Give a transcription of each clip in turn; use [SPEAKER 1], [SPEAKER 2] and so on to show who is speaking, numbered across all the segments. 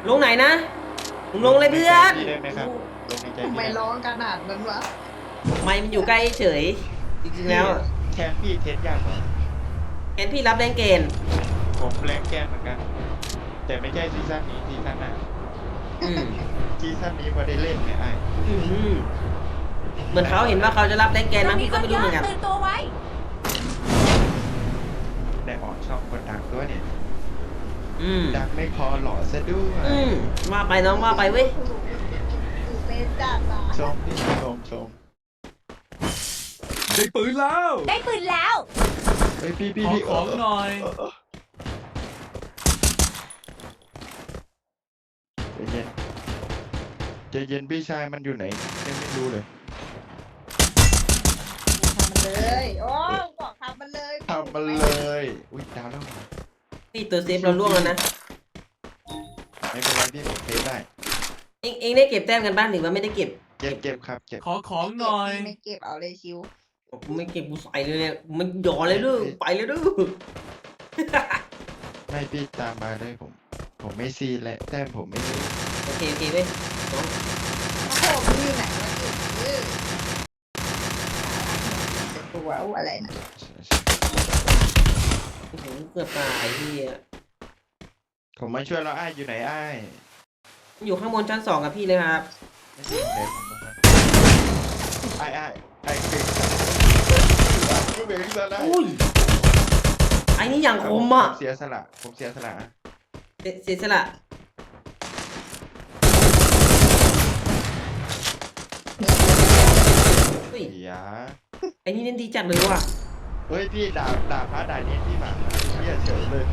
[SPEAKER 1] ลงไหนนะมึงลงเลยเพื่อน
[SPEAKER 2] พี่ได้ไหมครับลงในใจ
[SPEAKER 3] ทำ
[SPEAKER 2] พี่
[SPEAKER 3] ไม
[SPEAKER 2] ได้ไหม
[SPEAKER 3] ร้องขนาดนั้นวะ
[SPEAKER 1] ไม่มันอยู่ใกล้เฉยจริงๆ
[SPEAKER 2] พี่
[SPEAKER 1] แล้ว
[SPEAKER 2] แทนพี่เทสยากกว่า
[SPEAKER 1] เห็นพี่รับแรงเกณฑ์
[SPEAKER 2] ผมแรงแกนเหมือนกัน แต่ไม่ใช่ซีซั่นนี้ซีซั่นหน้า
[SPEAKER 1] อืม
[SPEAKER 2] ซีซั่นนี้พอได้เล่นไงไอ้
[SPEAKER 1] อืมเหมือนเขาเห็นว่าเขาจะรับแรงเกณฑ์มั้งพี่ก็ไม่รู้เหมือนกัน
[SPEAKER 4] ตื่นตัวไว้
[SPEAKER 2] ได้ออกช่องคนดังด้วยเนี่ย
[SPEAKER 1] อืม
[SPEAKER 2] ดังไม่พอหล่อซะด้วย
[SPEAKER 1] อืมว่าไปน้องว่าไปเว้ย
[SPEAKER 3] ตื่นเต้นจัดอ่ะ
[SPEAKER 2] ชมพี่ชม
[SPEAKER 5] ได้ปืนแล้ว
[SPEAKER 4] ได้ปืนแล้ว
[SPEAKER 2] เฮ้ยพี่
[SPEAKER 5] ขอของหน่อย
[SPEAKER 2] ใจเย็นใจเย็นพี่ชายมันอยู่ไหนยังไม่รู้เลย
[SPEAKER 3] ทำมันเลยโอ้บอกทำมันเลย
[SPEAKER 2] ทำมันเลยอุ้ยดาวแล้ว
[SPEAKER 1] พี่ตัวเซฟเราล่วงแล้วนะ
[SPEAKER 2] ไม่เป็นไรพี่ผมเทสได้
[SPEAKER 1] เองได้เก็บแต้มกันบ้างหรือว่าไม่ได้เก็บ
[SPEAKER 2] เก็บครับเก็บ
[SPEAKER 5] ขอของหน่อย
[SPEAKER 3] ไม่เก็บเอาเลยชิว
[SPEAKER 1] กูไม่เก็บกูใส่เลยเนี่ยมันหย่อนเลยลูกไปเลยลูก
[SPEAKER 2] ไม่พี่ตามมาเลยผมไม่ซีและแต้มผมไม่ซี
[SPEAKER 1] โอเคโอเคเว้ยน้อง
[SPEAKER 3] โอ้โหพี่ไหนวะจะตัวอะไรนะ
[SPEAKER 1] โอ้โหเกือบตายพี่อะ
[SPEAKER 2] ผมมาช่วยเราไอ้ายอยู่ไหนไอ้าย
[SPEAKER 1] อยู่ข้างบนชั้น 2กับพี่เลยครับ
[SPEAKER 2] ไม่ใช่เด็กผมตรงนั้นไอ้เก่งก็เบ่งซะได้
[SPEAKER 1] อุ้ยไอ้นี่อย่างคมอ่ะ
[SPEAKER 2] ผมเสียสละผมเสียสละ
[SPEAKER 1] เสียสละเฮ้ย
[SPEAKER 2] เสีย
[SPEAKER 1] ไอ้นี่เล่นดีจัดเลยว่ะ
[SPEAKER 2] เฮ้ยพี่ด่าพระด่าเนี้พี่หมาเฮียเฉยเลย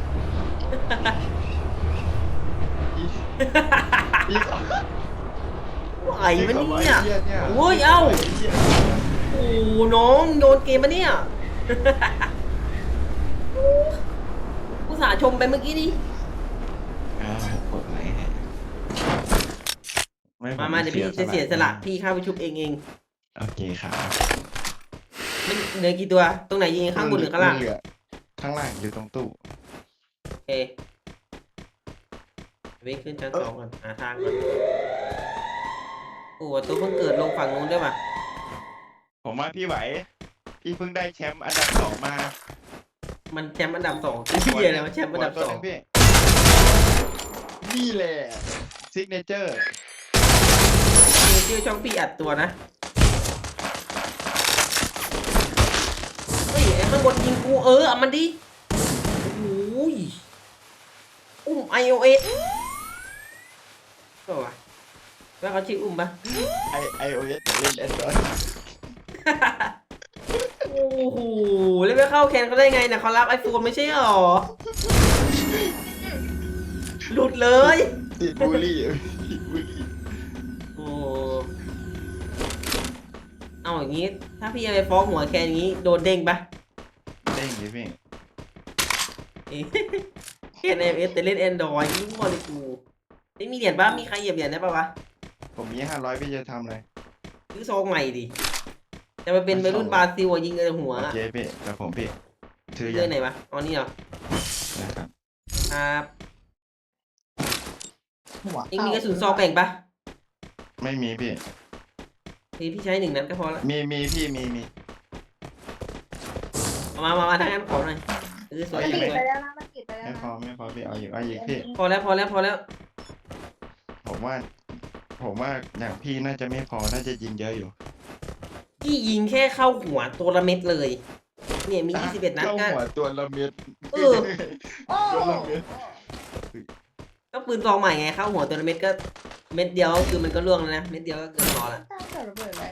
[SPEAKER 2] พี่พี่
[SPEAKER 1] ไหวมันเนี่ย
[SPEAKER 2] เหี้เนี่ย
[SPEAKER 1] โอ้ยเอ้า โอ้น้องโยนเกมมาเนี่ยอุตส่าห์ชมไปเมื่อกี้นี้
[SPEAKER 2] กดไลค์ให้ไผ
[SPEAKER 1] มาเดี๋ยวพี่จะเสียสละพี่เข้าไปชุบเอง
[SPEAKER 2] โอเคครับ
[SPEAKER 1] มันเหลือกี่ตัว ตรงไหนยิงข้างบนหรือข้างล่าง
[SPEAKER 2] เหลือข้างล่างอยู่ตรงตู้
[SPEAKER 1] โอเควิ่งขึ้นชั้น 2ก่อนหาทางก่อนโอ้ตัวเพิ่งเกิดลงฝั่งนู้นด้วยป่ะ
[SPEAKER 2] ผมว่าพี่ไหว พี่เพิ่งได้แชมป์อันดับ2มา
[SPEAKER 1] มันแชมป์อันดับ 2พี่อะไรวะแชมป์อันดับ
[SPEAKER 2] ตัวหนึ่งพี่นี่แหละซิกเนเจอร์
[SPEAKER 1] 2มีชื่อช่องพี่อัดตัวนะเฮ้ยไอ้ข้างบนยิงกูเอามันดิโอ้ยiOS ก็วะแล้วเขาชื่อปะ
[SPEAKER 2] iOS เล่น Android
[SPEAKER 1] โอ้โหแล้วไปเข้าแคนเขาได้ไงนะเขารับไอโฟนไม่ใช่หรอ หลุดเลย
[SPEAKER 2] ติดบูลลี่ติดบูลลี่
[SPEAKER 1] โอ้เอาอย่างนี้ ถ้าพี่จะไปฟ้องหัวแคนอย่างนี้โดนเด้งปะ
[SPEAKER 2] เด้งดิพี่
[SPEAKER 1] เอ๊ะแคนiOS แต่เล่น Android ยิ่งกว่าเลยกูไม่มีเหรียญปะมีใครเหยียบเหรียญได้ปะวะ
[SPEAKER 2] ผมมี500พี่จะทำอะไร
[SPEAKER 1] ซื้อซองใหม่ดิ จะมาเป็นวัยรุ่นบราซิลยิงเลยหัว
[SPEAKER 2] โอเคพี่แต่ผมพี่ถือ
[SPEAKER 1] เจ
[SPEAKER 2] ยั
[SPEAKER 1] อง ไหนวะอ๋อนี่เหรอ
[SPEAKER 2] นะครับ
[SPEAKER 1] ครับ
[SPEAKER 3] หัว
[SPEAKER 1] เองมีกระสุนซองแบ่งปะ
[SPEAKER 2] ไม่มีพี่
[SPEAKER 1] พี่ใช้1 นัดก็พอละ
[SPEAKER 2] มีพี่มี
[SPEAKER 1] มาทางนั้นขอหน่อยสวย
[SPEAKER 3] มัน
[SPEAKER 1] ส
[SPEAKER 3] ปิด
[SPEAKER 1] วย
[SPEAKER 3] ไปแล้วนะมันปิดไปแล้ว
[SPEAKER 2] ไม่
[SPEAKER 3] นะ
[SPEAKER 2] พอพี่เอาอีกพี่
[SPEAKER 1] พอแล้ว
[SPEAKER 2] ผมว่าอย่างพี่น่าจะไม่พอน่าจะยิงเยอะอยู่
[SPEAKER 1] พี่ยิงแค่เข้าหัวตัวละเม็ดเลย เนี่ยมี21 นัด
[SPEAKER 2] เข้า
[SPEAKER 1] ก็
[SPEAKER 2] หัวตัวละเม็ด
[SPEAKER 1] เออ
[SPEAKER 3] โอ้
[SPEAKER 2] ตัวละเม็ด
[SPEAKER 1] ก็ปืนซองใหม่ไงเข้าหัวตัวละเม็ดก็เม็ดเดียวก็คือมันก็ล่วงแล้วนะเม็ดเดียวก็เกินพอละ
[SPEAKER 3] ตั้งแต่ระเบิดไว้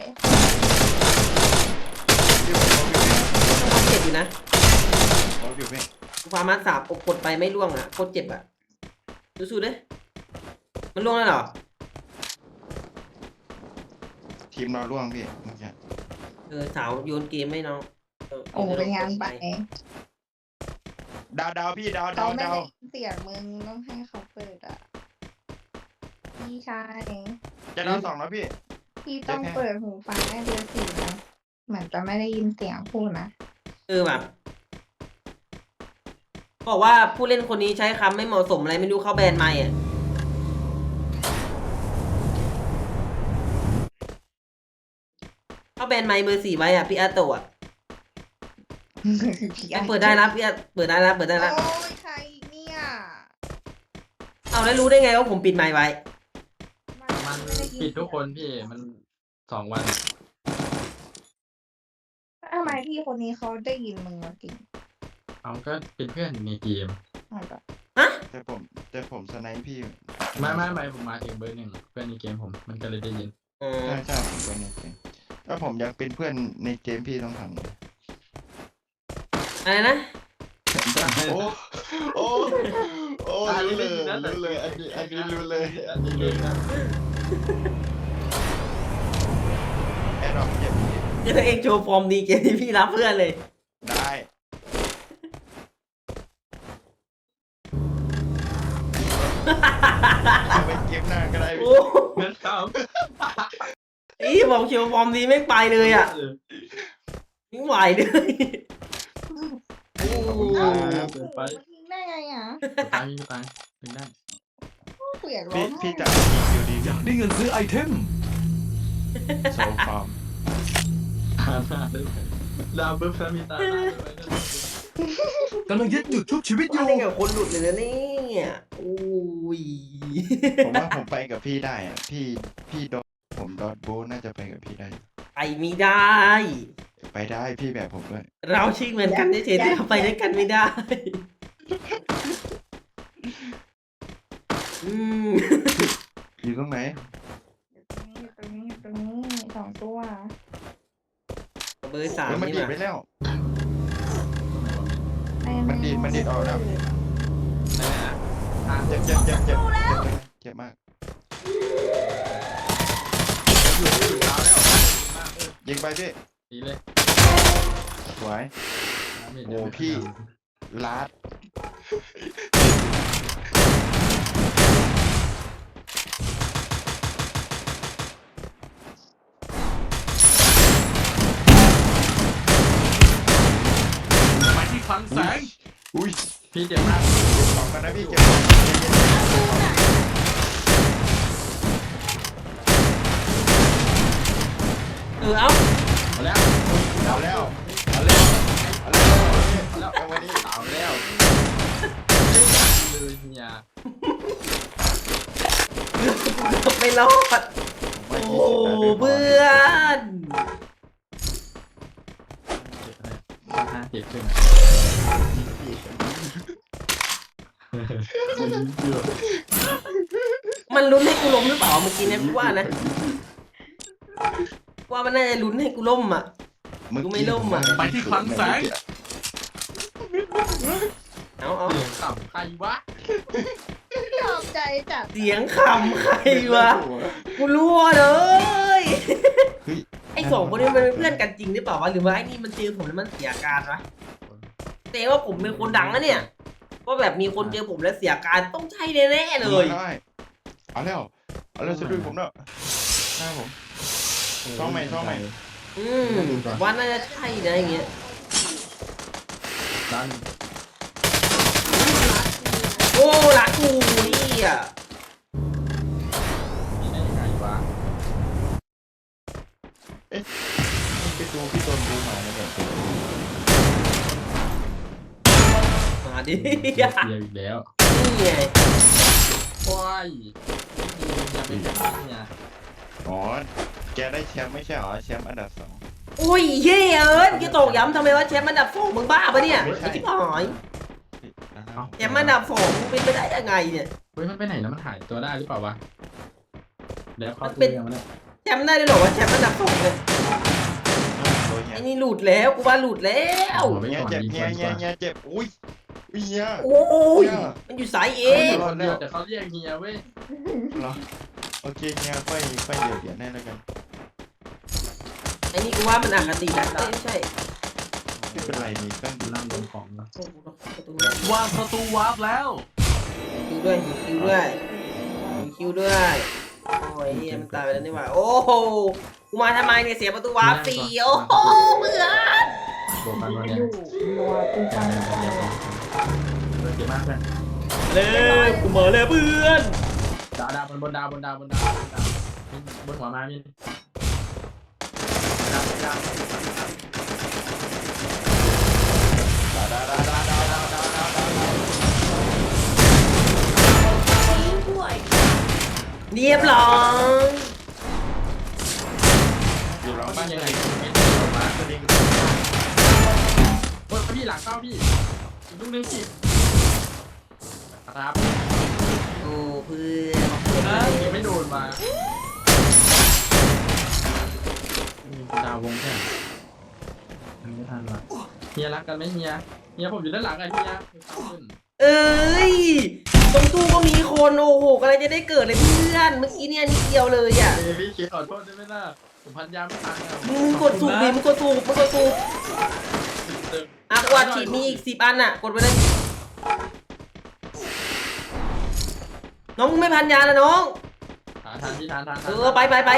[SPEAKER 2] พี่ผมเอาอยู่
[SPEAKER 1] ต้องความเจ็บอยู่นะ
[SPEAKER 2] เอาอยู่พี่
[SPEAKER 1] ฟาร์มาสามกดไปไม่ล่วงอ่ะโคตรเจ็บอ่ะสู้ๆเด้มันล่วงแล้วเหรอ
[SPEAKER 2] ทีมเราล่วงพี่เมื่อกี้
[SPEAKER 1] สาวโยนเกมให้น้อง
[SPEAKER 3] โอ้เป็นงานไป
[SPEAKER 2] ดาวพี่ดาว
[SPEAKER 3] เขาไม่ได้เสียงมึงต้องให้เขาเปิดอ่ะพี่ชาย
[SPEAKER 2] จะดาว2แล้วพี่
[SPEAKER 3] พี่ต้องเปิดหูฟังให้เบอร์4นะเหมือนจะไม่ได้ยินเสียงพูดนะ
[SPEAKER 1] แบบบอกว่าผู้เล่นคนนี้ใช้คำไม่เหมาะสมอะไรไม่รู้เข้าแบนไม่อ่ะนไมค์เบอร์4ไว้อ่ะพี่อาโตะ
[SPEAKER 3] พี่
[SPEAKER 1] เปิดได้นะพี่อาเปิดได้นะเปิดได้นะ
[SPEAKER 3] โอ้ยใครอีกเนี่ย
[SPEAKER 1] เอาแล้วรู้ได้ไงว่าผมปิดไมค์ไว้
[SPEAKER 4] มัน
[SPEAKER 3] ไได้ยิ
[SPEAKER 4] ปิดทุกคนพี่มัน2 วัน
[SPEAKER 3] ทำไมพี่คนนี้เขาได้ยินมึงจริง
[SPEAKER 4] เอาก็เป็นเพื่อนในเกม
[SPEAKER 3] อ๋อเหรอ
[SPEAKER 1] ฮะ
[SPEAKER 2] แต่ผมสไนป์พี่
[SPEAKER 4] ไม่ผมมาถึงเบอร์ 1เพื่อนในเกมผมมันก็เลยได้ยิน
[SPEAKER 1] อืม
[SPEAKER 2] ใช่ผมเป็นในเกมถ้าผมอยากเป็นเพื่อนในเกมพี่ต้องทำไง
[SPEAKER 1] อะไรนะ
[SPEAKER 2] โอ้โอ้โอ้รู้เลยอันนี้รู้เลยแอดดอกเก็บ
[SPEAKER 1] เดี๋ยวเองโชว์ฟอร์มดีเกมที่พี่รับเพื่อนเลย
[SPEAKER 2] ได้ไปเกมหน้าก็ได้
[SPEAKER 1] โอ้
[SPEAKER 4] เงินครับ
[SPEAKER 1] อีบอกโชว์ฟอร์มดีไม่ไปเลยอ่ะไม่ไหวเลย
[SPEAKER 2] ขอบคุณค
[SPEAKER 3] เอ้า
[SPEAKER 2] รับ
[SPEAKER 3] โอ้โหทิ้งได้ไงอ่ะ
[SPEAKER 4] ตังค์พี่ตังค์ถึงได้
[SPEAKER 3] เปลี่ยนร้อ
[SPEAKER 2] พี่
[SPEAKER 3] งไห้
[SPEAKER 2] พี่จะอยู่ดี
[SPEAKER 5] อยากได้เงินซื้อไอเทม
[SPEAKER 2] โซฟาร์ม
[SPEAKER 4] ตาหน้าด้วยดาวเบิร์ฟมีตาหน้าด้วย
[SPEAKER 5] กำลังยึดจุดชุบชีวิตอ
[SPEAKER 1] มา
[SPEAKER 5] ยู่
[SPEAKER 1] ได้กับคนหลุดเลยนะเนี่ยโอ้ย
[SPEAKER 2] ผมว่าผมไปกับพี่ได้อะพี่ดอทผมดอทโบทน่าจะไปกับพี่ได้
[SPEAKER 1] ไปไม่ได้
[SPEAKER 2] ไปได้พี่แบบผมด้วย
[SPEAKER 1] เราชื่อเหมือนกันเฉยๆแต่เราไปด้วยกันไม่ได้ อืม
[SPEAKER 2] อยู่ตรงไหน
[SPEAKER 3] ตรงนี้สองตัว
[SPEAKER 1] เบอร์3
[SPEAKER 2] เฮ้ยมัน
[SPEAKER 1] นี่
[SPEAKER 2] ดีด
[SPEAKER 1] มา
[SPEAKER 2] ไปแล้ว
[SPEAKER 3] ไม่
[SPEAKER 2] มันดีดออกแล้ว
[SPEAKER 4] นั่นแหละทาง
[SPEAKER 2] เจ็บเจ็บมาก
[SPEAKER 4] อยู่ดาวแล้ว
[SPEAKER 2] ยิงไปพี่
[SPEAKER 4] ดีเลย
[SPEAKER 2] สวย โอ้พี่ ลาด
[SPEAKER 5] ไปที่คลังแสง
[SPEAKER 2] อุ้ย
[SPEAKER 4] พี่เจ็บมาก
[SPEAKER 2] ออกมานะพี่เก็บของใจเย็น
[SPEAKER 1] เอา
[SPEAKER 4] เอาแล้ว
[SPEAKER 2] เอาแล้วเอาแล้วเอาแล้วเอาวันนี้
[SPEAKER 4] เอาแล้วเลยเฮีย
[SPEAKER 1] ไม่รอดโอ้เพื่อน
[SPEAKER 4] เจ็บขึ้น
[SPEAKER 1] มันลุ้นให้กูล้มหรือเปล่าเมื่อกี้เนี่ยพี่ว่านะ ว่ามันน่าจะลุ้นให้กูล้มอ่ะ กูไม่ล่มอะ
[SPEAKER 5] ไปที่คลังแสง
[SPEAKER 1] เอา
[SPEAKER 4] เสียงต่ำใครวะ
[SPEAKER 3] ชอบใจจัด
[SPEAKER 1] เสียงคำใครวะ กูรั่วเลย
[SPEAKER 2] เฮ้ย
[SPEAKER 1] ไอ้สองคนนี้มันเป็นเพื่อนกันจริงหรือเปล่าวะหรือว่าไอ้นี่มันเจอผมแล้วมันเสียอาการวะแต่ว่าผมเป็นคนดังนะเนี่ยว่าแบบมีคนเจอผมแล้วเสียอาการต้องใช่แน่ๆเลย
[SPEAKER 2] เอาแล้วสะดุ้งผมแล้วหน้าผม ช่องใหม่
[SPEAKER 1] ว่าน่าจะใช่นะอย่างเงี้ย
[SPEAKER 4] ดัน
[SPEAKER 1] โอ้รักกูนี่อ่ะ
[SPEAKER 4] นี่ได้ยังไงวะ
[SPEAKER 2] พี่ตูพี่โดนดูมาเนี่ยแบบ
[SPEAKER 1] มาดิ
[SPEAKER 4] เสียอีกแล้ว
[SPEAKER 1] นี่ไง
[SPEAKER 4] ว้ายอย่าไปจับเนี่ย
[SPEAKER 2] อ๋อแกได้แชมป์ไม่ใช่เหรอแชมป์อันดับ 2
[SPEAKER 1] โอ้ยเฮ้ยเอิญกี่ตกย้ำทำไมว่าแชมป์อันดับ2มึงบ้าปะเนี่ย
[SPEAKER 2] ไม่ใช่
[SPEAKER 1] ไอ้ที่หายแชมป์อันดับ2มึงเป็นไปได้ยังไงเนี่ย
[SPEAKER 4] เฮ้ยมันไปไหนแล้วมันหายตัวได้หรือเปล่าวะแล้วเขา
[SPEAKER 1] มันเป็น
[SPEAKER 4] ยังไม่ได้
[SPEAKER 1] แชมป์ได้ด้วยเหรอวะแชมป์อันดับ2เนี่ย
[SPEAKER 2] โดนเงี้
[SPEAKER 1] ไอ้
[SPEAKER 2] ย
[SPEAKER 1] นี่หลุดแล้วกูว่าหลุดแล้ว
[SPEAKER 4] เอาไป
[SPEAKER 2] เงี้ย
[SPEAKER 4] ก่อน
[SPEAKER 2] เจ็บ
[SPEAKER 4] ดีก
[SPEAKER 2] เงี้ย
[SPEAKER 4] ว่า
[SPEAKER 2] เงี้ยเงี้ยเจ็บอุ้ยเงี้ย
[SPEAKER 1] โอ้ยมันอยู่สายเอ
[SPEAKER 4] คนเดียวแต่เขาเรียกเฮียเว้ย
[SPEAKER 2] เหรอโอเคเงี้ยค่อยเดี๋ยวแน่แล้วกัน
[SPEAKER 1] ไอ้นี่กูว่ามันอคตินะเอ้ยไม่ใช่
[SPEAKER 2] ไม่เป็นไรนี่ก็
[SPEAKER 4] นั่งลงของนะ
[SPEAKER 1] โอ้โหประตูด้วย
[SPEAKER 5] วางประตูวาร์ปแล้ว
[SPEAKER 1] คิวด้วยคิวด้วยคิวด้วยโอ้ยเหี้ยมันตายไปแล้วนี่หว่าโอ้โหกูมาทำไมเนี่ยเสียประตูวาร์ปสี่โอ้โหเบื่อ
[SPEAKER 4] โดนกันวันเนี้ย
[SPEAKER 3] อยู่นัวกูฟังไป
[SPEAKER 4] เจ็บมากเพื่อน
[SPEAKER 1] เลยกูมาเลยเพื่อน
[SPEAKER 4] ดาวบนดาวบนหัวมามินดาวยา
[SPEAKER 1] เรียบร้อย
[SPEAKER 2] อยู่หลังบ้าน
[SPEAKER 4] ยั
[SPEAKER 2] ยัง ง
[SPEAKER 4] ไง
[SPEAKER 2] ไง
[SPEAKER 4] ไม่ได้ออกมา
[SPEAKER 2] ตัวนี้
[SPEAKER 4] โอ้ยพี่หลังเข้าพี่อีกลูกนึงพี่ครับ
[SPEAKER 1] โอ้เพื่อน
[SPEAKER 4] ยังไม่โดนมาดาววงแค่มันไม่ทันละเฮียรักกันไหมเฮียผมอยู่ด้านหลังไงเฮียขึ้น
[SPEAKER 1] เอ้ยตรงตู้ก็มีคนโอ้โหกำลังจะได้เกิดเลยเพื่อนเมื่อกี้เนี่ยนิดเดียวเลยอ่ะ
[SPEAKER 4] พี่เขียนขอโทษได้ไหมล่ะผมพันยาไม่ทัน
[SPEAKER 1] มึงกดสูบดิมึงกดสูบอ่ะกวาดฉีดมีอีก10 อันอ่ะกดไปเลยน้องมึงไม่พันยาแล้วน้อง
[SPEAKER 4] ทานพี่ทาน
[SPEAKER 1] ไป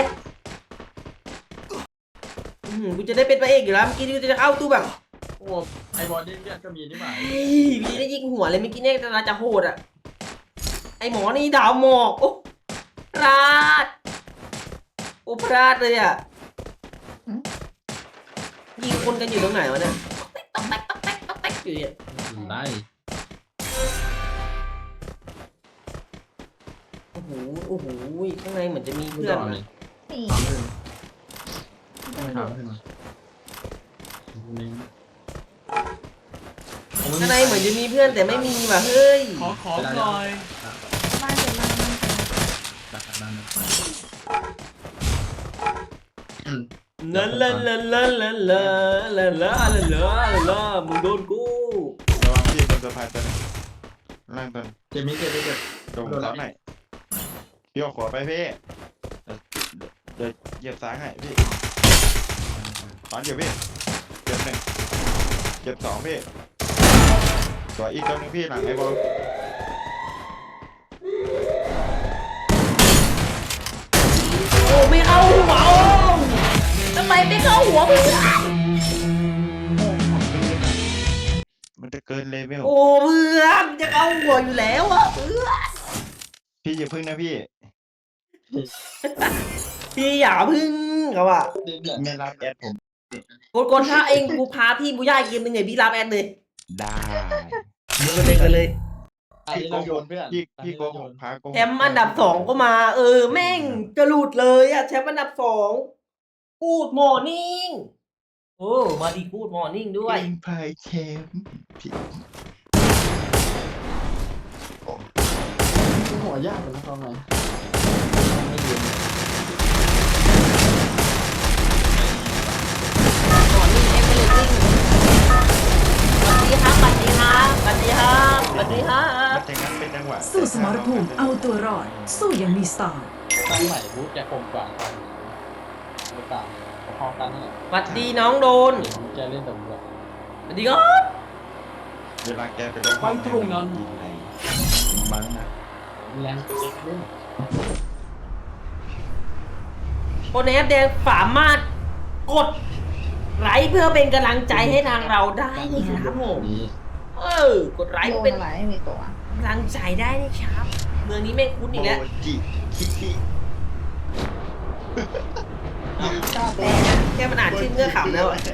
[SPEAKER 1] กูจะได้เป็นพระเอกอยู่แล้วเมื่อกี้กูจะเข้าตู้แบบ
[SPEAKER 4] โอ้ไอบอลนี่เลือดก็มีนี่หว่า
[SPEAKER 1] เฮ้ยพี่ได้ยิงหัวเลยเมื่อกี้เนี่ยเราจะโหดอ่ะไอหมอนี่ดาวหมอกโอ้พลาดโอ้พลาดเลยอ่ะยิงคนกันอยู่ตรงไหนวะเนี่ยต๊อกแต๊กอยู่เนี่ย
[SPEAKER 4] ได้
[SPEAKER 1] โอ้โหข้างในเหมือนจะมี
[SPEAKER 4] ไม่
[SPEAKER 1] เพื่อน
[SPEAKER 4] ต่อเล
[SPEAKER 1] นะ
[SPEAKER 4] ย
[SPEAKER 3] นี่
[SPEAKER 4] ไม่ทำขึ้นมา
[SPEAKER 1] ข้างในเหมือนจะมีเพื่อนแต่ไม่มีว่ะเฮ้ย
[SPEAKER 5] ขอของหน่อย
[SPEAKER 3] บ้านจะมา
[SPEAKER 4] ดักด้านนั้น
[SPEAKER 1] ลาลาลาลาลาลาลาลาลามึงโดนกู
[SPEAKER 2] ระวังพี่บนสะพานตัวนึงล่างตัวนึง
[SPEAKER 4] เจ็บมิเจ็บ
[SPEAKER 2] ตรงเสาไหนพี่เอาขวาไปพี่เดี๋ยวเหยียบซ้ายให้พี่ตอนเดี๋ยวพี่เจ็บ1เจ็บ2พี่ตัวอีกตัวนึงพี่หลังไอ้บอล
[SPEAKER 1] โอ้ไม่เข้าหัวโอ้ทำไมไม่เข้าหัวเพื่อน
[SPEAKER 2] มันจะเกินเลเวล
[SPEAKER 1] โอ้เพื่อนจะเข้าหัวอยู่แล้วอ่ะเพื่อน
[SPEAKER 2] พี่อย่าพึ่งนะพี่
[SPEAKER 1] พี่อย่าพึ่งเขาอ่ะ
[SPEAKER 2] ไม่รับแอดผม
[SPEAKER 1] กดถ้าเองกูพาพี่บูย่าเกมหนึ่งไงพี่รับแอดเลย
[SPEAKER 2] ได้
[SPEAKER 1] เดี๋ยวเล่นกันเลย
[SPEAKER 4] พี่โกงเพื่อน
[SPEAKER 2] พี่โกหกพาโกหก
[SPEAKER 1] แชมป์อันดับ2ก็มาแม่งจะหลุดเลยอ่ะแชมป์อันดับ2กูดมอร์นิ่งโอ้มาดีกูดมอร์นิ่งด้วย
[SPEAKER 2] เองพายแชมป์พี่
[SPEAKER 4] หัวยากนะทำไมไม่ยืน
[SPEAKER 1] มอร์นิ่งเอ็กซ์เลซิ่งสวัสดีครับสวัสดีครับสวัสดีครับสวัสดีครับ
[SPEAKER 2] มันจะงั้นเป็นจังหวะ
[SPEAKER 6] สู้สมรภูมิเอาตัวรอด สู้อย่างมีสไตล์
[SPEAKER 4] ตั้งใหม่บูธแกคงกว่ากันหรือเปล่าพอกันนี่แหละ
[SPEAKER 1] สวัสดีน้องโดน
[SPEAKER 4] แกเล่นตำรวจ
[SPEAKER 1] สวัสดีครับ
[SPEAKER 2] เวลาแกไปลง
[SPEAKER 5] ไปตรงนั้น
[SPEAKER 2] มันนะ
[SPEAKER 4] แรงเล่น
[SPEAKER 1] โคนแอปแดงสามารถกดไลค์เพื่อเป็นกำลังใจให้ทางเราได้นะครับผม
[SPEAKER 4] นี่
[SPEAKER 1] กดไลค์
[SPEAKER 3] โด
[SPEAKER 1] เพื่อน เป็น
[SPEAKER 3] อะไรไม่มีตัว
[SPEAKER 1] กำลังใจได้นะครับ เมืองนี้แม่งคุ้นอีกแล้ว
[SPEAKER 2] โจิคิคิ
[SPEAKER 3] ชอบแล้
[SPEAKER 1] แค่มันอ่านชื่อเงื่อขำแล้วอะ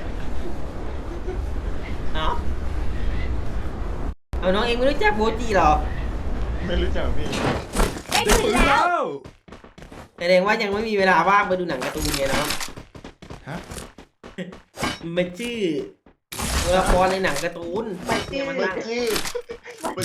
[SPEAKER 1] เอาน้องเองไม่รู้จักโบจิเหรอ
[SPEAKER 2] ไม่รู้จักพี่
[SPEAKER 1] แสดงว่ายังไม่มีเวลาว่างไปดูหนังการ์ตูนไงเนาะ
[SPEAKER 2] ฮะ
[SPEAKER 1] มันชื่อตัวละครในหนังการ์ตูน
[SPEAKER 3] ไปชื่อ
[SPEAKER 1] มัน
[SPEAKER 2] มัน
[SPEAKER 1] นั่ง
[SPEAKER 2] ชื่อมัน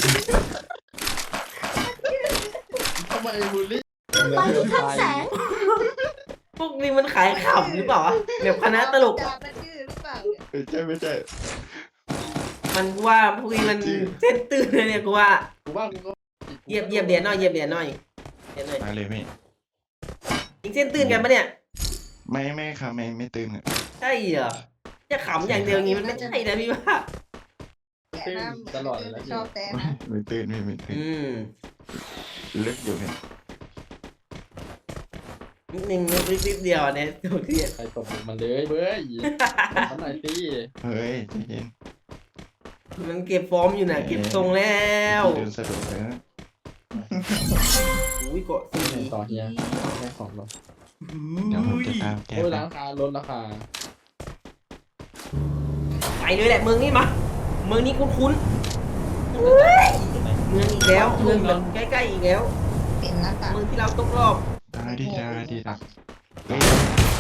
[SPEAKER 4] ทำไมบูลลี่
[SPEAKER 6] ไปที่ข้างแสง
[SPEAKER 1] พวกนี้มันขายขำหรือเปล่าวะแบบคณะตลก
[SPEAKER 3] จะเป็นชื่อหรือเปล่าเนี่ย
[SPEAKER 2] ไม่ใช่
[SPEAKER 1] มันว่าพวกนี้มันเส้นตื่นเลยเนี่ยกูว่า
[SPEAKER 4] กูว่ากูก็
[SPEAKER 1] เหยียบเหรียญหน่อยเหยียบเหรียญหน่อยเหรียญหน่อย
[SPEAKER 2] มาเลยพี่
[SPEAKER 1] ยิงเส้นตื่นกันปะเนี่ย
[SPEAKER 2] ไม่ค่ะไม่ตื่นอะ
[SPEAKER 1] ใช่เหรอจะขำอย่างเดียวอย่างงี้มันไม่ใช่นะพี่ว่า
[SPEAKER 3] แกหน้าเหมือนชอบแต่นะ
[SPEAKER 2] ไม่ตื่นไม่ตื่น ลึกอยู่พี่
[SPEAKER 1] นิดนึงนิดเดียวเนี่ยโอเค
[SPEAKER 4] ใครตบมันเลยเบ้ยทำหน่อยตี
[SPEAKER 2] เฮ้ยใจเย็น
[SPEAKER 1] มันเก็บฟอร์มอยู่นะเก็บทรงแล้ว
[SPEAKER 2] เดินสะดวกเลยนะ
[SPEAKER 1] อุ้ยเกาะสี
[SPEAKER 4] ต่อเฮียแค่2รอบ
[SPEAKER 2] เดี๋ยวผมจะตามแก
[SPEAKER 4] โอ้ย
[SPEAKER 2] ไป
[SPEAKER 4] ราคาลดราคา
[SPEAKER 1] ไปเลยแหละเมืองนี้มาเมืองนี้คุ้นๆเฮ้ยเมืองอีกแล้วเมืองแบบใกล้ๆอีกแล้ว
[SPEAKER 3] เป็นหน้ากาก
[SPEAKER 1] เมืองที่เราตกรอบ
[SPEAKER 2] ได้ดีครับเฮ้ย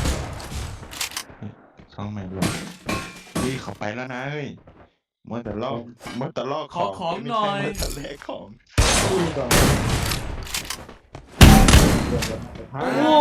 [SPEAKER 2] ช่องใหม่ด้วยพี่เขาไปแล้วนะเฮ้ยมัวแต่ลอก
[SPEAKER 5] ขอของหน่อย
[SPEAKER 2] มัวแต่แลกของ
[SPEAKER 1] โอ้โห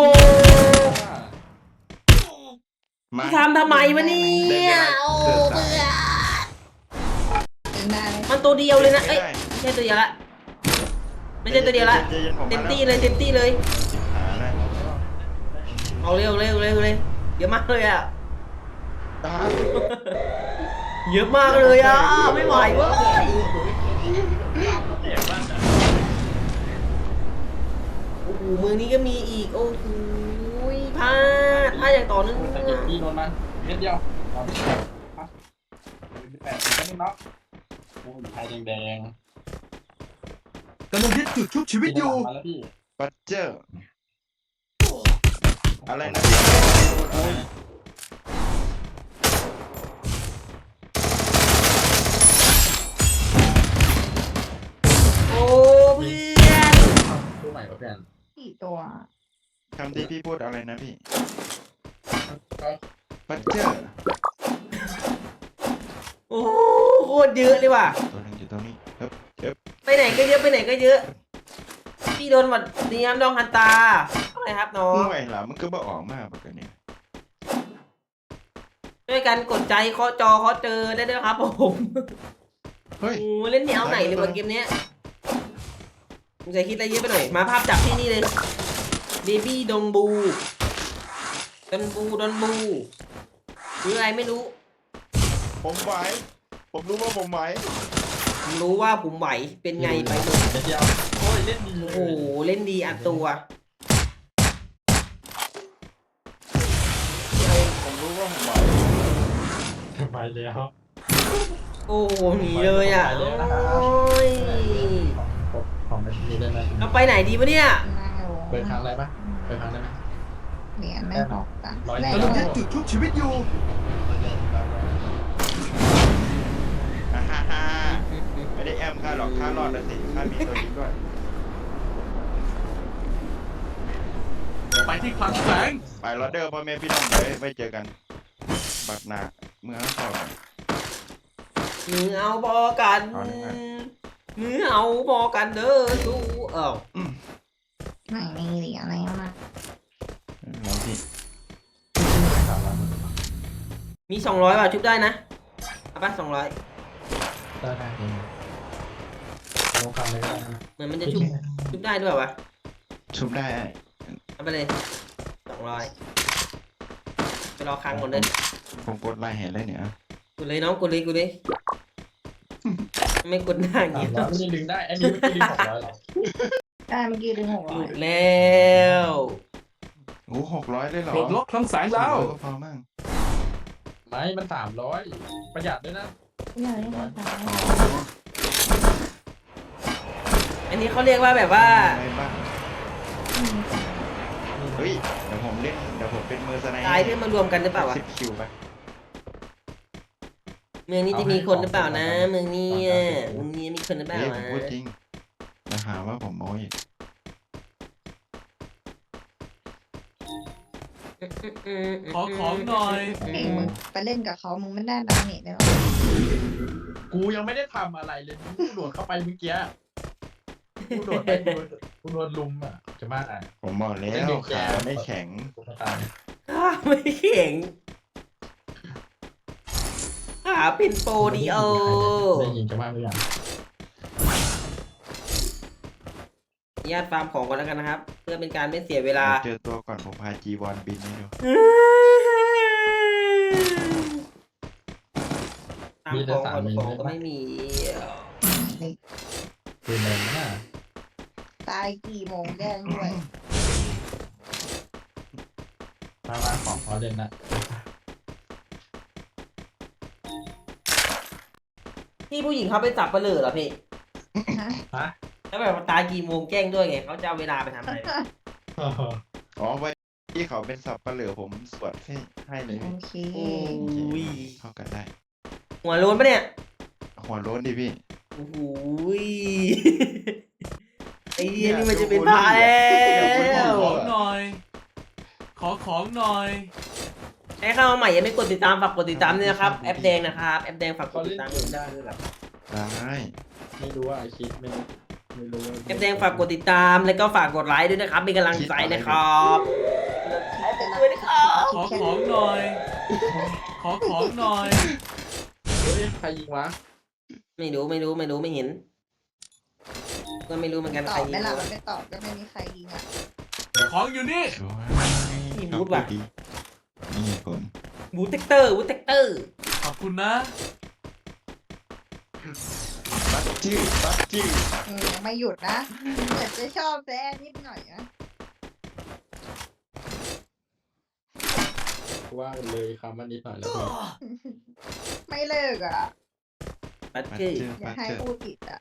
[SPEAKER 2] มา
[SPEAKER 1] ทำไมวะเนี่ยโอ้เบื่อ
[SPEAKER 3] เป็นได้ไหม
[SPEAKER 1] มันตัวเดียวเลยนะเอ้ยไม่ใช่ตัวเดียวละไม่ใช่ตัวเดียวละ เต็มที่เลยเต็มที่เลย
[SPEAKER 2] หาได้
[SPEAKER 1] เอาเร็วเร็วเร็วเลยเยอะมากเลยอ่ะ
[SPEAKER 2] ได้
[SPEAKER 1] เยอะมากเลยอ่ะไม่ไหวเว้ยโอ้โหเมืองนี้ก็มีอีกโอ้โหพลาดอย่างต่อเนื่อง
[SPEAKER 4] แต่เก็บพี่โดนมันเม็ดเดียวเอาไปแปดสิบนิดเนาะโอ้ยไทยแดง
[SPEAKER 5] กำลังยึดจุดชุบชี
[SPEAKER 4] ๆ
[SPEAKER 5] วิตอยู่
[SPEAKER 4] มาแล้วพี่
[SPEAKER 2] ปัจเจอร์อะไรนะ
[SPEAKER 1] โอ้เพื่อน
[SPEAKER 4] ตู้ใหม่กับเพื่อน
[SPEAKER 3] สี่ตัว
[SPEAKER 2] คำที่พี่พูดอะไรนะพี่
[SPEAKER 4] ก็
[SPEAKER 2] ปัจเจอร์
[SPEAKER 1] โอ้โหโคตรเยอะเลยว่ะ
[SPEAKER 2] ตัวหนึงอยู่ตรงนี้เฮ้ย
[SPEAKER 1] ไปไหนก็เยอะไปไหนก็เยอะ พี่โดนหวัดเนียมดองฮันตาอะไรครับน้อง
[SPEAKER 2] ห่วยหล่ะมันก็บ่ออกมาปกติเนี่ย
[SPEAKER 1] ช่วยกันกดใจเคาะจอเคาะเจอได้ด้วยครับผม
[SPEAKER 2] เฮ้ย
[SPEAKER 1] โอ้เล่นแนวไหนเลยวันเกมเนี้ยผมจะคิดอะไรเยอะไปหน่อย มาภาพจับที่นี่เลยเบบี้ดงบูดอนบูหรืออะไรไม่รู้
[SPEAKER 2] ผมไหวผมรู้ว่าผมไหว
[SPEAKER 1] ผมรู้ว่าผมไหวเป็นไงไปดู
[SPEAKER 4] เม็ดเดียวโอ้ยเล่นดีเล
[SPEAKER 1] โอ้
[SPEAKER 4] ย
[SPEAKER 1] โหเล่นดีอัดตัว
[SPEAKER 2] ผมรู้ว่าผมไหว
[SPEAKER 4] ไปแล้ว
[SPEAKER 1] โอ้โหหนีเลยอ่ะ
[SPEAKER 4] ไปแล้วนะครับ
[SPEAKER 1] โอ้ย
[SPEAKER 4] ของไม่มีได้ไหม
[SPEAKER 1] เราไปไหนดีวะเนี่ย
[SPEAKER 3] หน้าโรง
[SPEAKER 4] เปิดครั้งอะไรปะเปิดครั้งได้ไหม
[SPEAKER 3] เหรียญไม่ตกจ้ะ
[SPEAKER 4] ร้อย
[SPEAKER 3] ได้
[SPEAKER 5] กำลัง
[SPEAKER 3] เล
[SPEAKER 5] ยึ
[SPEAKER 3] ย
[SPEAKER 5] ดจุดชุบชีวิตอยู่
[SPEAKER 2] อ่าฮ่าฮ่าไม่ได้แอมค่าหรอกค่ารอดแล้วสิค่ามีตัวนี้ด้วย
[SPEAKER 5] ไปที่คลังแสง
[SPEAKER 2] ไปรอเดอร์พ่อแม่พี่น้องเลยไว้เจอกันบักหนาเมื่อเข้า
[SPEAKER 1] มือเอาพอกัน
[SPEAKER 2] เอาเลยครับ
[SPEAKER 1] มือเอาพอกันเด้อสู้
[SPEAKER 3] ไหนมีเหรียญอะไรมา
[SPEAKER 2] เราพี่
[SPEAKER 1] มี200ว่ะชุบได้นะเอาปะ200
[SPEAKER 4] ได้ได้ลงคำเลยก็ได้นะ
[SPEAKER 1] เหมือนมันจะชุบได้ด้วยวะ
[SPEAKER 2] ชุบได้
[SPEAKER 1] เอาไปเลย200ไปรอค้างก่อนเลย
[SPEAKER 2] ผมกดไล่เห็นเลยเนี่ย
[SPEAKER 1] กดเลยน้องกดเลยไม่กดหน้าอย่าง
[SPEAKER 4] สาม
[SPEAKER 1] งี้
[SPEAKER 4] ร้อยไม่ได้ดึงได้อันนี้ไม่ได้ดึง600หรอ
[SPEAKER 3] ได้เมื่อกี้ดึง600
[SPEAKER 1] หลุดแล้ว
[SPEAKER 2] โอ้600เลยเหรอ
[SPEAKER 5] ปลดล็อกคลังแสงแล้ว
[SPEAKER 2] ก็พอมั่ง
[SPEAKER 4] ไม่มัน300ประหยัดด้วยนะ
[SPEAKER 3] ไม่ได้ไม่ได้
[SPEAKER 1] อันนี้เขาเรียกว่าแบบว่า
[SPEAKER 2] อะไรบ้างเฮ้ยเดี๋ยวผมเป็นมือสไน
[SPEAKER 1] ตายเพื่อมารวมกันหรือเปล่าวะ
[SPEAKER 2] 10 คิวไป
[SPEAKER 1] เมืองนี้จะมีคนหรือเปล่านะ เมืองนี้มีคนหรือเปล่า
[SPEAKER 2] เฮ้ยผ
[SPEAKER 1] วะ
[SPEAKER 2] มพูดจริงจะหาว่าผมโม้ย
[SPEAKER 5] ขอของหน่อย
[SPEAKER 3] เองมึงไปเล่นกับเขามึงไม่ได้ดาเมจเลยหรอ
[SPEAKER 4] กูยังไม่ได้ทำอะไรเลยกูโดดเข้าไปเมื่อกี้กูโดดไปกูโดนลุมอ่ะจะมาอ่ะ
[SPEAKER 2] ผมบอกแล้วขาไม่แข็ง
[SPEAKER 4] กูตาย
[SPEAKER 1] ข้าไม่เข่งขาเป็นโปรดิโอ
[SPEAKER 4] ได้ยินจะมาหรือยัง
[SPEAKER 1] ญาตฟาร์มของก่อนแล้วกันนะครับ เพื่อเป็นการไม่เสียเวลา
[SPEAKER 2] เจอตัวก่อนผมพาจีวอนบินให้ดู
[SPEAKER 1] ฟาร์มของก่อนของก็ไม่มี
[SPEAKER 4] คือแรงมาก
[SPEAKER 3] ตายกี่โมงแดงด้วย
[SPEAKER 4] มาของขอเด่นนะ
[SPEAKER 1] พี่ผู้หญิงเขาไปจับปลาเหลือเหรอพี่
[SPEAKER 3] ฮะ
[SPEAKER 4] ฮะ
[SPEAKER 1] แล้วแบบตายกี่โมงแจ้งด้วยไงเขาจะเอาเวลาไปทำอะไร
[SPEAKER 2] อ๋อไว้พี่เขาเป็นสับปะเหลือผมสวดให้เลย
[SPEAKER 3] โอ
[SPEAKER 2] พี่
[SPEAKER 3] เค
[SPEAKER 1] โอ้ย
[SPEAKER 2] เข้ากันได้
[SPEAKER 1] หัวโล้นปะเนี่ย
[SPEAKER 2] หัวโล้นดิพี่
[SPEAKER 1] โอ้โหยไอ้เหี้ยนี่มันจะเป็นพาแล้
[SPEAKER 5] ขอ
[SPEAKER 1] ว
[SPEAKER 5] ของหน่อย ขอของหน่อย
[SPEAKER 1] ใครเข้ามาใหม่ยังไม่กดติดตามฝากกดติดตามด้วยนะครับแอปแดงนะครับแอปแดงฝากกดติดตามด้วยได้ด้วยครับ
[SPEAKER 2] ได้
[SPEAKER 4] ไม่รู้ว่าไอคิดไม่รู้ว่า
[SPEAKER 1] แอปแดงฝากกดติดตามแล้วก็ฝากกดไลค์ด้วยนะครับเป็นกำลังใจนะครับแอปแดงด้วยนะครับ
[SPEAKER 5] ขอของหน่อย ขอของหน่อย
[SPEAKER 4] เฮ้ยใครยิงวะ
[SPEAKER 1] ไม่รู้ไม่เห็นก็ไม่รู้เหมือนกัน
[SPEAKER 3] ต
[SPEAKER 1] ใคร
[SPEAKER 3] อบ
[SPEAKER 1] ยิ
[SPEAKER 3] ไม่
[SPEAKER 1] ง
[SPEAKER 3] หลับไม่ตอบก็ไม่มีใครยิงอ่ะ
[SPEAKER 5] ของอยู่นี่
[SPEAKER 2] สวย
[SPEAKER 1] มีบูธว่ะ
[SPEAKER 2] ดีนี่ผม
[SPEAKER 1] บูทเทคเตอร์
[SPEAKER 5] ขอบคุณนะ
[SPEAKER 2] บัตจื้อ
[SPEAKER 3] ยังไม่หยุดนะแต่จะชอบแซ่นิดหน่อยนะ
[SPEAKER 4] ว่าเลยคำว่านิดหน่อยแล้วพี่
[SPEAKER 3] ไม่เลิกอ่ะ
[SPEAKER 1] บัต
[SPEAKER 2] บัต
[SPEAKER 1] เตอร์
[SPEAKER 2] จื้อ
[SPEAKER 3] อย่า
[SPEAKER 2] บัต
[SPEAKER 3] ให้
[SPEAKER 2] จื้อ
[SPEAKER 3] พูดผิดอ่ะ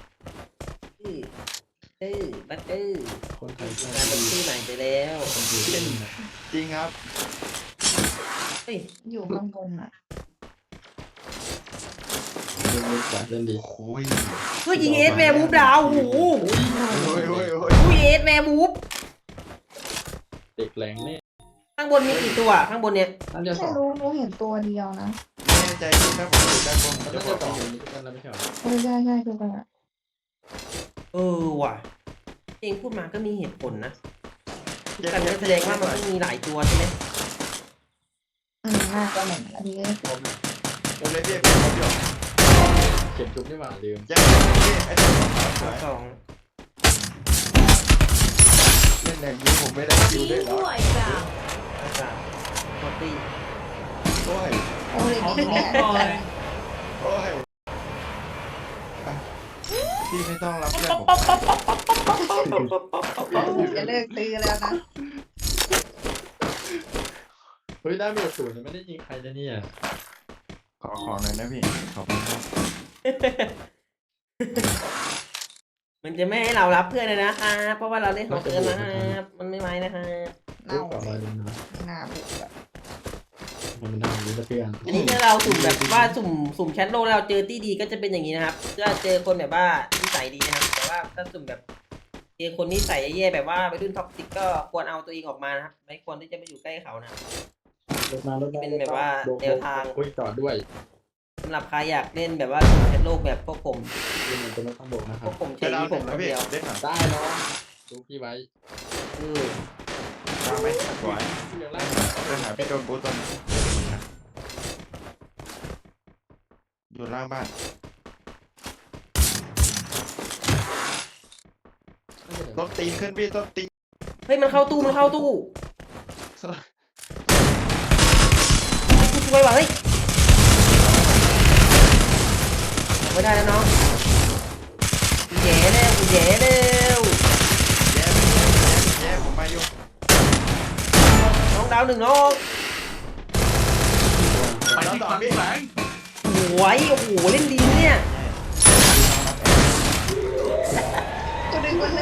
[SPEAKER 1] บัตเตอร์
[SPEAKER 4] คนไทย
[SPEAKER 1] กลายเป็นชื่อใหม่ไปแล้ว
[SPEAKER 4] คนอยู่ที่นี่นะ
[SPEAKER 2] จริงครับ
[SPEAKER 1] เฮ้ย
[SPEAKER 3] อยู่ข้างบนอ่ะ
[SPEAKER 4] เล่นดีกว่าเล่นดี
[SPEAKER 2] โอ้ย
[SPEAKER 1] เฮ้ยยิงเอสแมร์บูฟดาวโอ้โห
[SPEAKER 2] โอ้ย
[SPEAKER 1] อุ้ยเอสแมร์บูฟ
[SPEAKER 4] เด็กแรงเนี่ย
[SPEAKER 1] ข้างบนมีกี่ตัวข้างบนเนี่ย
[SPEAKER 4] น่าจะส
[SPEAKER 3] ไม่
[SPEAKER 4] อง
[SPEAKER 3] รู้หนูเห็นตัวเดียวนะ
[SPEAKER 2] ไม่แน่ใจพี่ถ้าผมอยู่ด้านบนผม
[SPEAKER 4] น่า
[SPEAKER 2] จะ
[SPEAKER 4] จะ
[SPEAKER 2] บอก
[SPEAKER 4] สอง
[SPEAKER 2] พี่
[SPEAKER 4] อยู่นี่กันแล้วไม่ใช่เหรอ
[SPEAKER 3] ใช่คือกันอ่ะ
[SPEAKER 1] เออว่ะเองพูดมาก็มีเหตุผลนะ
[SPEAKER 2] เจ็บ
[SPEAKER 1] แต่ก็แสดงว่ามันต้องมีหลายตัวใช่ไหม
[SPEAKER 3] น่าจะเหมือนอันนี้
[SPEAKER 2] เดี๋ยวเลยพี่ผมเดี๋ยว
[SPEAKER 4] เก็บจุ๊บนี่หว่าลืม
[SPEAKER 2] ยังพี่ไอ้ตัวขาวสวย
[SPEAKER 1] สอง
[SPEAKER 2] เล่นอย่างนี้ผมไม่ได้คิวด้วยเหรอ
[SPEAKER 1] สามโคตตี้
[SPEAKER 2] โอ้ย
[SPEAKER 3] โอ้ย
[SPEAKER 5] ขอ
[SPEAKER 3] นี่
[SPEAKER 5] ของ
[SPEAKER 3] แหละ
[SPEAKER 5] หน่อย
[SPEAKER 2] โอ้ยพี่ไม่ต้องรับเพื่อนผม
[SPEAKER 3] จะเลิกตื้อแล้วนะ
[SPEAKER 4] เฮ้ยได้เมจศูนย์ยังไม่ได้ยิงใครเลยเนี่ย
[SPEAKER 2] ขอของหน่อยนะพี่ขอบคุณครับ
[SPEAKER 1] มันจะไม่ให้เรารับเพื่อนเลยนะคะเพราะว่าเราเล่นของเกินนะครับมันไม่ไหวนะคะ
[SPEAKER 3] เน่า
[SPEAKER 4] ต่อ
[SPEAKER 3] เล
[SPEAKER 4] มาย ดูนะ
[SPEAKER 3] ไม่น่าบุกอะ
[SPEAKER 4] มันทำนี้เพื่อน
[SPEAKER 1] อันนี้ถ้าเราสุ่มแบบว่าสุ่มแชทโลกแล้วเราเจอที่ดีก็จะเป็นอย่างนี้นะครับก็เจอคนแบบว่านิสัยดีนะครับแต่ว่าถ้าสุ่มแบบเจอคนนิสัยแย่ๆแบบว่าไปรุ่นท็อกซิกก็ควรเอาตัวเองออกมานะครับไม่ควรที่จะไปอยู่ใกล้เขานะครับ
[SPEAKER 4] รถมารถมา
[SPEAKER 1] เป็นแบบว่าแนวทาง
[SPEAKER 4] คุยจอดด้วย
[SPEAKER 1] สำหรับใครอยากเล่นแบบว่าสุ่มแชทโลกแบบพวกผม
[SPEAKER 4] ยืนเป็นรถข้างบนนะค
[SPEAKER 1] พ
[SPEAKER 4] รั
[SPEAKER 1] ว
[SPEAKER 4] บ
[SPEAKER 1] กผม
[SPEAKER 2] จะ
[SPEAKER 1] ใช้
[SPEAKER 2] ดาว
[SPEAKER 1] นี้
[SPEAKER 2] ผ
[SPEAKER 1] ผม ม
[SPEAKER 2] นะ
[SPEAKER 1] คน
[SPEAKER 2] พี่
[SPEAKER 1] เดียว
[SPEAKER 2] เล่นหน่อย
[SPEAKER 4] ได้เนาะดูพี่ไว้
[SPEAKER 1] เออ
[SPEAKER 2] ดาวไหมสวย
[SPEAKER 4] พี่ยังไล่
[SPEAKER 2] เล่นหาพี่โดนบูตอนอยู่ล่างบ้าน ต้นตีนขึ้นพี่ต้นตีน
[SPEAKER 1] เฮ้ยมันเข้าตู้กูช่วยว่ะเฮ้ยไม่ได้แล้วน้องกูแย่แล้ว
[SPEAKER 2] แย่ผมมาอยู่
[SPEAKER 1] น้องดาวหนึ่งน้อง
[SPEAKER 5] ไปที่คลังแสง
[SPEAKER 1] โอ้ยโอ้โหเล่นดีเนี่ย
[SPEAKER 3] ตัวดึงวันเลย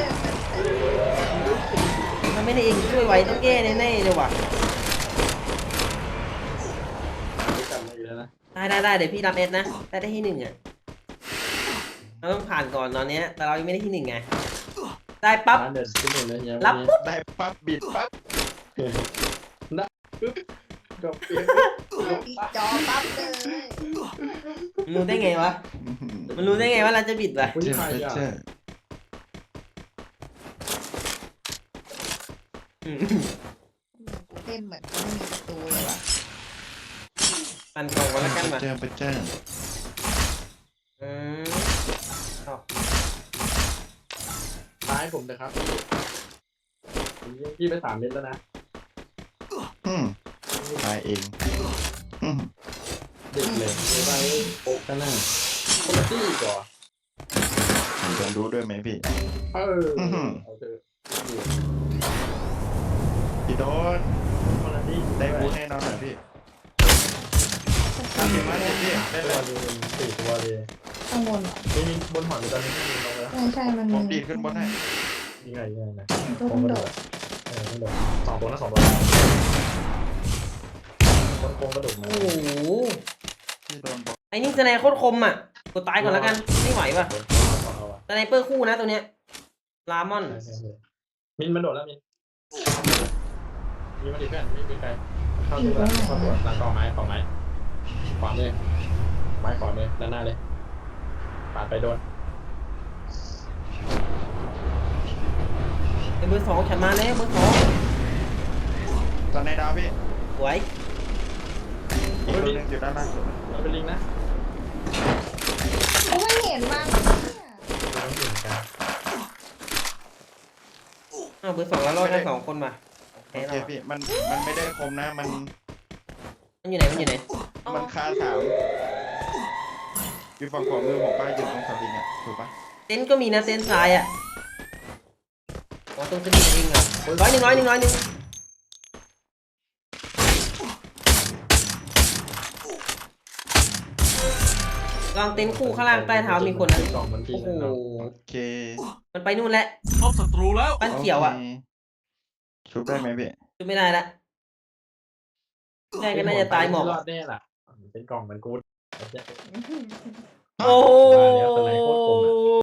[SPEAKER 1] มันไม่ได้เองช่วยไว้ต้องแก้แน่ๆเลยว่ะ
[SPEAKER 4] กลับมาอีกแล้วนะ
[SPEAKER 1] ได้เดี๋ยวพี่รับเอสนะได้ที่หนึ่งอ่ะเราต้องผ่านก่อนตอนเนี้ยแต่เรายังไม่ได้ที่หนึ่งไงได้ปั๊บ
[SPEAKER 4] ร้านเด็ดขึ้นหนึ่งเลยเนี่ย
[SPEAKER 1] รับปุ๊บ
[SPEAKER 2] ได้ปั๊บบิดปั๊บ
[SPEAKER 4] จบเกม
[SPEAKER 3] ปิดจอปั๊บเลย
[SPEAKER 1] มันรู้ได้ไงวะมันรู้ได้ไงว่าเราจะบิดวะ
[SPEAKER 4] อุ้ย
[SPEAKER 2] เจ็บ
[SPEAKER 4] ใครอ่ะ
[SPEAKER 2] เจ็บ
[SPEAKER 3] กูเล่นเหมือนกูไม่มีประตูเลยว่ะ
[SPEAKER 1] ปั่นกล่องก่อนแล้วกันว่ะ
[SPEAKER 2] เจอไปเจอ
[SPEAKER 1] อืม
[SPEAKER 4] ท้ายผมนะครับพี่ไป3 เม็ดแล้วนะ
[SPEAKER 2] ตายเอง
[SPEAKER 4] เด็กเลยไปโป๊กกันหน้าคนละที่ก่อน
[SPEAKER 2] ผมจะรู้ด้วยไหมพี่
[SPEAKER 4] เอาเถอะ
[SPEAKER 2] พี่โดน
[SPEAKER 4] คนละที่
[SPEAKER 2] ได้บูแน่นอนหน่อยพี่ทำยังไงพี่ได้
[SPEAKER 4] ตัว
[SPEAKER 2] แล้ว
[SPEAKER 4] เดียว4 ตัวเลย
[SPEAKER 3] ข้างบนเหรอ
[SPEAKER 4] ไม่มีบนหออยู่ตอนนี้ไม่มีลงแล้ว
[SPEAKER 3] ใช่มัน
[SPEAKER 2] ผมดีดขึ้นบนให้
[SPEAKER 4] ยังไงนะ
[SPEAKER 3] ตัวมันโดด
[SPEAKER 4] เไม่โดนสองตัวนะสองตัวคนโกงกระดูกมา
[SPEAKER 1] โอ้โห
[SPEAKER 2] พี่โดนบอก
[SPEAKER 1] ไอ้นี่สไนโคตรคมอ่ะกดตายก่อนแล้วกันไม่ไหวว่ะ
[SPEAKER 4] เอาว่ะ
[SPEAKER 1] สไนเปอร์คู่นะตัวเนี้ยลามอน
[SPEAKER 4] ใช่มินมันโดดแล้วมินมีมาดิเพื่อนไม่มีใครเข้าตัวเข้าตัวหลังกองไม้ขวาเลยไม้ขวาเลยด้านหน้าเลยปาดไปโดน
[SPEAKER 1] ไอ้เบอร์สองฉันมาแล้วเบอร์สอง
[SPEAKER 2] ตอนในดาวพี่
[SPEAKER 1] สวย
[SPEAKER 2] อีกตัวหนึงอยู่ด้านล่างสุด
[SPEAKER 4] มันเป็นลิงนะ
[SPEAKER 3] กูไม่เห็นมัน
[SPEAKER 4] ต้องถึงกัน
[SPEAKER 1] อ้าวเบอร์สองแล้วรอดได้2 คนมาโอเค
[SPEAKER 2] โอเค
[SPEAKER 1] แล้ว
[SPEAKER 2] พี่มันไม่ได้คมนะมัน
[SPEAKER 1] มันอยู่ไหนมันอยู่ไหนอ๋อ
[SPEAKER 2] มันคาสามอยู่ฝั่งขวามือผมป้าอยู่ตรงสลิงอ่ะถูกปะ
[SPEAKER 1] เต็นท์ก็มีนะเต็นท์ทรายอ่ะอ๋อตรงสลิงเองอ่ะร้อยหนึ่งวางเต็นท์คู่ข้างล่างใต้เท้ามีคนนะ
[SPEAKER 4] กล่องมันที่
[SPEAKER 1] โอ้โห
[SPEAKER 2] โอเค
[SPEAKER 1] มันไปนู่นแล้ว
[SPEAKER 5] พบศัตรูแล้ว
[SPEAKER 1] บ้านเขียวอ่ะ
[SPEAKER 2] โคชุบได้ไหมพี่
[SPEAKER 1] ช่วยไม่ได้ละได้ก็น่าจะตายหมอก
[SPEAKER 4] รอดแน่ล่ะเป็นกล่องมันกูด
[SPEAKER 1] โอ้โห
[SPEAKER 4] ว่าแล้วตอนไหนโคตรคมอะ